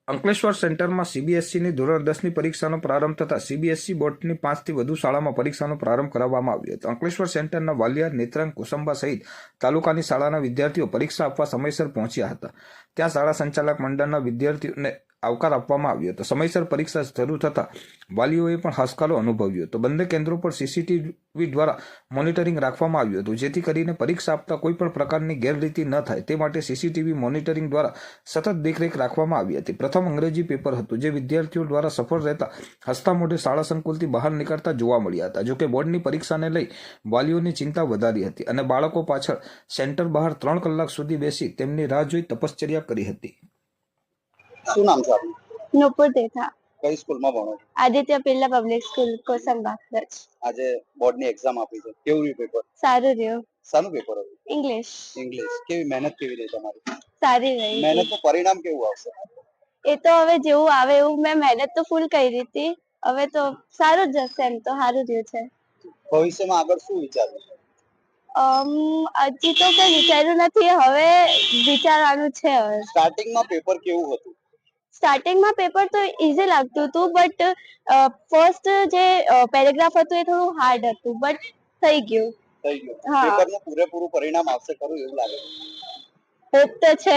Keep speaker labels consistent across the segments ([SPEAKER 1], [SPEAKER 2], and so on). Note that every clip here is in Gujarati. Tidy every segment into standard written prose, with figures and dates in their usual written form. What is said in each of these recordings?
[SPEAKER 1] અંકલેશ્વર સેન્ટરમાં સીબીએસઈની ધોરણ 10ની પરીક્ષાનો પ્રારંભ થતાં સીબીએસઈ બોર્ડની 5થી વધુ શાળામાં પરીક્ષાનો પ્રારંભ કરાવવામાં આવ્યો હતો. અંકલેશ્વર સેન્ટરના વાલિયા, નેત્રંગ, કુસુંબા સહિત તાલુકાની શાળાના વિદ્યાર્થીઓ પરીક્ષા આપવા સમયસર પહોંચ્યા હતા. ત્યાં શાળા સંચાલક મંડળના વિદ્યાર્થીઓને આવકાર આપવામાં આવ્યો હતો. સમયસર પરીક્ષા શરૂ થતાં વાલીઓએ પણ હાશકારો અનુભવ્યો હતો. બંને કેન્દ્રો પર સીસીટીવી દ્વારા મોનિટરિંગ રાખવામાં આવ્યું હતું, જેથી કરીને પરીક્ષા આપતા કોઈ પણ પ્રકારની ગેરરીતિ ન થાય તે માટે સીસીટીવી મોનિટરિંગ દ્વારા સતત દેખરેખ રાખવામાં આવી હતી. પ્રથમ અંગ્રેજી પેપર હતું, જે વિદ્યાર્થીઓ દ્વારા સફળ રહેતા હસતા મોઢે શાળા સંકુલથી બહાર નીકળતા જોવા મળ્યા હતા. જોકે બોર્ડની પરીક્ષાને લઈ વાલીઓની ચિંતા વધારી હતી અને બાળકો પાછળ સેન્ટર બહાર 3 કલાક સુધી બેસી તેમની રાહ જોઈ તપશ્ચર્યા કરી હતી.
[SPEAKER 2] શું નામ છે આપનું?
[SPEAKER 3] નુપુર દેથા.
[SPEAKER 2] કઈ સ્કૂલમાં ભણો છો?
[SPEAKER 3] Aditya Birla public school Kosamba Kutch.
[SPEAKER 2] આજે બોર્ડની એક્ઝામ આપી છે, કેવું રહ્યું પેપર?
[SPEAKER 3] સારું રહ્યું.
[SPEAKER 2] શાનું પેપર હતું?
[SPEAKER 3] ઇંગ્લિશ.
[SPEAKER 2] ઇંગ્લિશ. કેવી મહેનત કેવી રહી તમારી?
[SPEAKER 3] સારી રહી.
[SPEAKER 2] મહેનતનું પરિણામ કેવું આવશે?
[SPEAKER 3] એ તો હવે જેવું આવે એવું. મેં મહેનત તો ફૂલ કરી હતી, હવે તો સારું જ જશે. એમ તો સારું રહ્યું છે.
[SPEAKER 2] ભવિષ્યમાં આગળ શું વિચાર્યું છે?
[SPEAKER 3] હજી તો કઈ વિચાર્યું નથી, હવે વિચારવાનું છે. હવે
[SPEAKER 2] સ્ટાર્ટિંગમાં પેપર કેવું હતું?
[SPEAKER 3] સ્ટાર્ટિંગમાં પેપર તો ઈઝી લાગતું હતું, બટ ફર્સ્ટ જે પેરેગ્રાફ હતું એ થોડું હાર્ડ હતું, બટ થઈ ગયું.
[SPEAKER 2] થઈ ગયું.
[SPEAKER 3] હા.
[SPEAKER 2] પેપરનું પૂરેપૂરું પરિણામ આવશે ખરું એવું લાગે છે?
[SPEAKER 3] હોપ તો છે.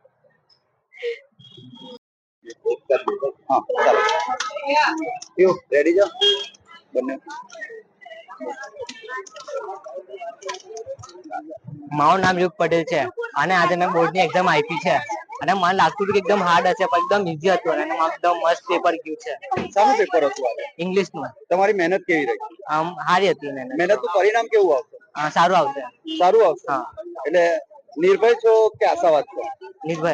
[SPEAKER 2] હા, ચાલો. કેવું રેડી છો બંને?
[SPEAKER 4] મારું નામ યુગ પટેલ છે અને આજે મેં બોર્ડની એક્ઝામ આપી છે અને મને લાગતું હતું કે એકદમ હાર્ડ હશે, પણ એકદમ ઈઝી હતું અને એકદમ મસ્ત પેપર ગયું છે.
[SPEAKER 2] શાનું પેપર હતું આજે?
[SPEAKER 4] ઇંગ્લિશનું.
[SPEAKER 2] તમારી મહેનત કેવી રહી?
[SPEAKER 4] આમ સારી હતી
[SPEAKER 2] મહેનતનું પરિણામ કેવું આવશે?
[SPEAKER 4] સારું આવશે.
[SPEAKER 2] સારું આવશે.
[SPEAKER 4] હા.
[SPEAKER 2] એટલે નિર્ભય છો કે આશાવાદ છો?
[SPEAKER 4] નિર્ભય.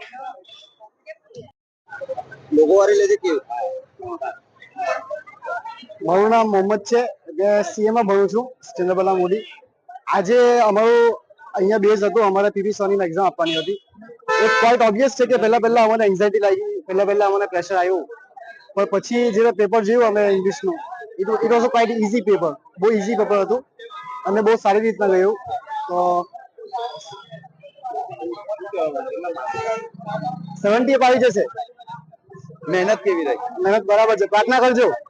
[SPEAKER 2] લોકો વાળી લેજે કેવું?
[SPEAKER 5] મારું નામ મોહમ્મદ છે, સીએ માં ભણું છું, ચંદ્રબલા મોદી. આજે અમારું અહીંયા બેઝ હતું, અમારે પીવી સોની એક્ઝામ આપવાની હતી. એક ક્વાઇટ ઓબ્વિયસ છે કે પહેલા અમને એન્ઝાયટી લાગી, પહેલા અમને પ્રેશર આવ્યું, પણ પછી જે પેપર જોયું અમે ઇંગ્લિશનું, it was a quite easy paper. બહુ ઇઝી પેપર હતું અને બહુ સારી રીતના ગયું. તો 70 આવી જશે.
[SPEAKER 2] મહેનત કેવી રહી?
[SPEAKER 5] મહેનત બરાબર છે, પ્રાર્થના કરજો.